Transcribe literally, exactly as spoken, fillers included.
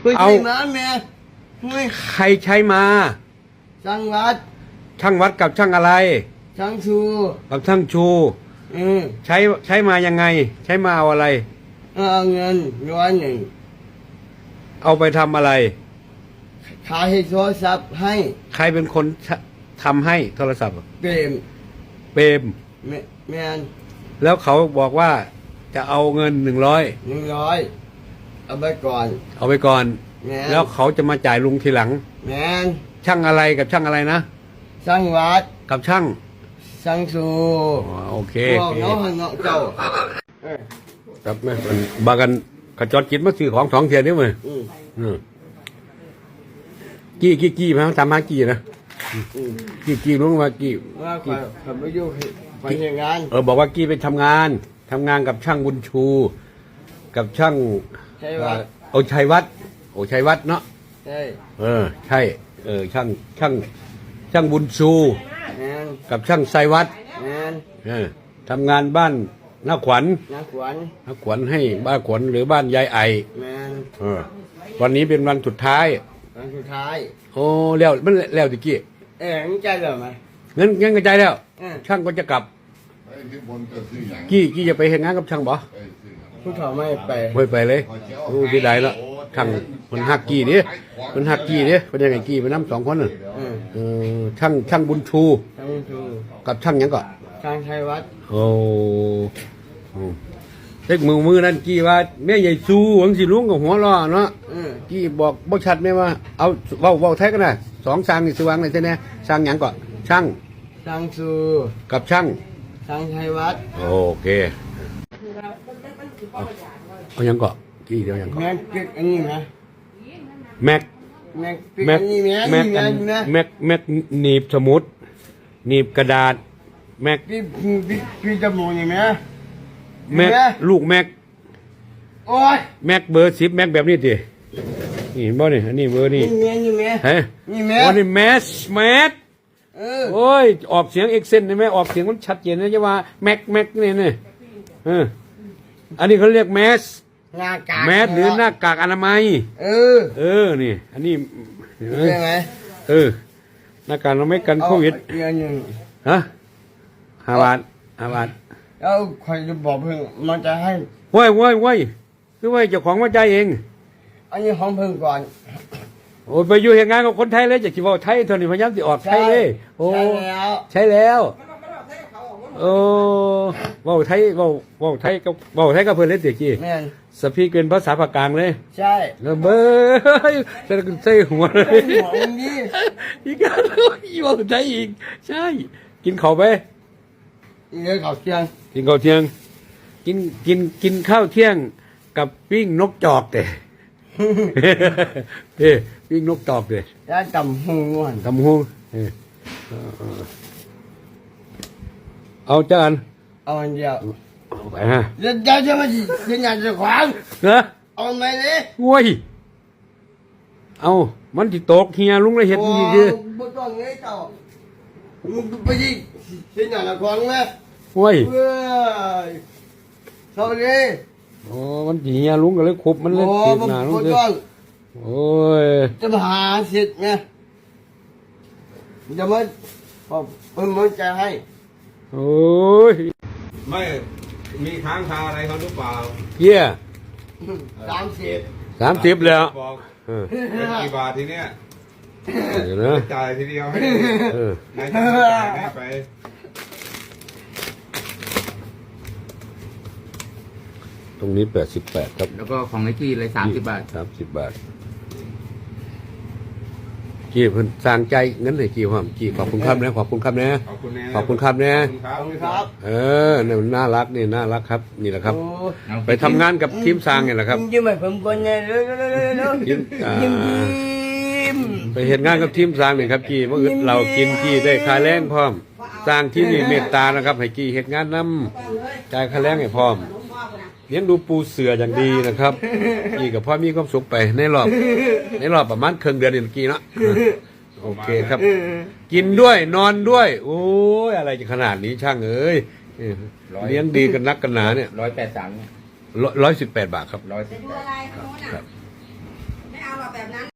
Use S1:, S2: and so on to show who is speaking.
S1: เอามาแม่ใครใช้มาช่างวัดช่างวัดกับช่างอะไรช่างชูกับช่างชูอืมใช้ใช้มายังไงใช้มาเอาอะไรเอาเงินร้อยหนึ่งเอาไปทำอะไรขายโทรศัพท์ให้ใครเป็นคนทำให้โทรศัพท์เปรมเปรมแมนแล้วเขาบอกว่าจะเอาเงินหนึ่งร้อยหนึ่งร้อยเอาไปก่อนเอาไปก่อนแล้วเขาจะมาจ่ายลุงทีหลังแมนช่างอะไรกับช่างอะไรนะช่างวัดกับช่างช่างสูโอเคน้องน้องเจ้าครับแม่บากันขจรจิตมาซื้อของสองเทียนนี่มั้ยอืมกี้กี้กี้มาทำมากี้นะกี้กี้รู้ว่ากี้ว่าขับรถยุ่งไปทำงานเออบอกว่ากี้ไปทำงานทำงานกับช่างบุญชู กับช่างโอชัยวัดโอชัยวัดเนาะใช่เออใช่เออช่างช่างช่างบุญชูกับช่างไซวัดเออทำงานบ้านน้าขวัญน้าขวัญน้าขวัญให้บ้านขวัญหรือบ้านยายไอเออวันนี้เป็นวันสุดท้ายวันสุดท้ายโอ้แล้วมันแล้วตะกี้เอ๋งั้นใจแล้วไหมงั้นงั้นก็ใจแล้วช่างก็จะกลับกี้กี้จะไปเห็นงานกับช่างบ่ผู้ถอไม่ไปไม่ไปเลยรู้ที่ใดแล้วช่างมันหักกี้นี่มันหักกี้นี่เป็นยังไงกี้มันน้ำสองคนน่ะเออช่างช่างบุญชูกับช่างยังก่อนช่างชัยวัฒน์โอ้เล็กมือมือนั่นกี้ว่าแม่ใหญ่ซูหวังสิลุงกับหัวล้อเนาะกี้บอกบ่ชัดไหมว่าเอาเว้าเว้าแท้กันนะสองช่างนี่สว่างเลยใช่ไหมช่างยังก่อนช่างช่างซูกับช่างช่างชัยวัฒน์โอเคเอายังก่อนกี้เดียวยังก่อนแม็กอันนี้นะแม็กแม็กแม็กแม็กแม็กแม็กหนีบสมุดหนีบกระดาษแม็กพี่พี่พี่จมูกอย่างไหมแม็กลูกแม็กโอ้ยแม็กเบอร์สิบแม็กแบบนี้ดินี่บ่นี่อันนี้เบอร์นี่เฮ้ยนี่แม็กอันนี้แมสแมสโอ้ยออกเสียงเอ็กเซนได้ไหมออกเสียงมันชัดเจนนะจะว่าแม็กแม็กนี่นี่เอออันนี้เขาเรียกแมสหน้ากากแมสหรือหน้ากากอนามัยเออเออนี่อันนี้ใช่ไหมเออหน้ากากอนามัยกันโควิดฮะห้าบาทห้าบาทแล้วใครจะบอกเพิ่งมันจะให้ว้ายว้ายว้ายคือว่าเจ้าของว่าใจเองอันนี้ของเพิ่งก่อนโอ้ไปอยู่เหตุงานกับคนไทยเลยจะคิดว่าไทยเท่านี้พยายามจะออกไทยเลยโอ้ใช่แล้วโอ้ว่าไทยว่าว่าไทยก็ว่าไทยก็เพื่อนเล่นเสียกี้สปีกเป็นภาษาภาคกลางเลยใช่แล้วเบ้อใส่ใส่หัวเลยอีกการอีว่าไทยอีกใช่กินข้าวไปกินข้าวเที่ยงกินข้าวเที่ยงกินกินกินข้าวเที่ยงกับปิ้งนกจอกเด้เฮ้ปิ้งนกจอกเด้แล้วตำหูตำหูเอาจานเอาอันเดียวเอาไปฮะเดี๋ยวเดี๋ยวจะมาจะอยากจะขวางเหรอเอาไหมเลยโว้ยเอามันติดตกเฮียลุงเลยเห็ดนี่ดิบ่ต้องไงเจ้ามึงไปยิงจะอยากจะขวางไหมโว้ยสวัสดีโอ้มันเฮียลุงก็เลยคุบมันเลยติดหนาลุงเลยโอ้ยจะมาหาเสร็จไงจะมาเพิ่มมันจะให้โอ้ย
S2: ไม่มีค้างคาอะไรเขาหรือเปล่า
S1: เยี่ย
S2: สามสิบ
S1: สามสิบแล้ว
S2: บอกกี่บาททีเนี้ยจ่ายทีเดียวให้นายจ่ายไป
S1: ตรงนี้แปดสิบแปดครับ
S3: แล้วก็ของไอ้กี้เลยสามสิบบาท
S1: สามสิบบาทกี่เพิ่นสร้างใจเงินเลยกี่ความกี่ขอบคุณครับนะขอบคุณครับนะขอบคุณนะขอบคุณครับนะ
S2: ขอบคุณครับ
S1: เออเนี่ยมันน่ารักนี่น่ารักครับนี่แหละครับไปทำงานกับทีมสร้างเนี่ยแหละครับ
S4: ยิ้มให้ผมก่อนเนี่ยเร็วๆยิ้ม
S1: ยิ้มไปเห็นงานกับทีมสร้างเนี่ยครับกี่เมื่อเรากินกี่ได้ค่าแรงพร้อมสร้างที่นี่เมตตานะครับให้กี่เห็นงานนำจ่ายค่าแรงให้พร้อมเลี้ยงดูปูเสืออย่างดีนะครับกี่กับพ่อมีความสุขไปในรอบในรอบประมาณครึ่งเดือนนี่กี่เนาะโอเคครับกินด้วยนอนด้วยโอ้ยอะไรจะขนาดนี้ช่างเอ้ยเลี้ยงดีกันนักกันหนาเนี่ย
S3: ร้อยแปดสาม
S1: ร้อยสิบแปดบาทครับ
S3: ร้อยสิบแปด
S1: ครับ
S4: ไม่เอาหรอแบบนั้น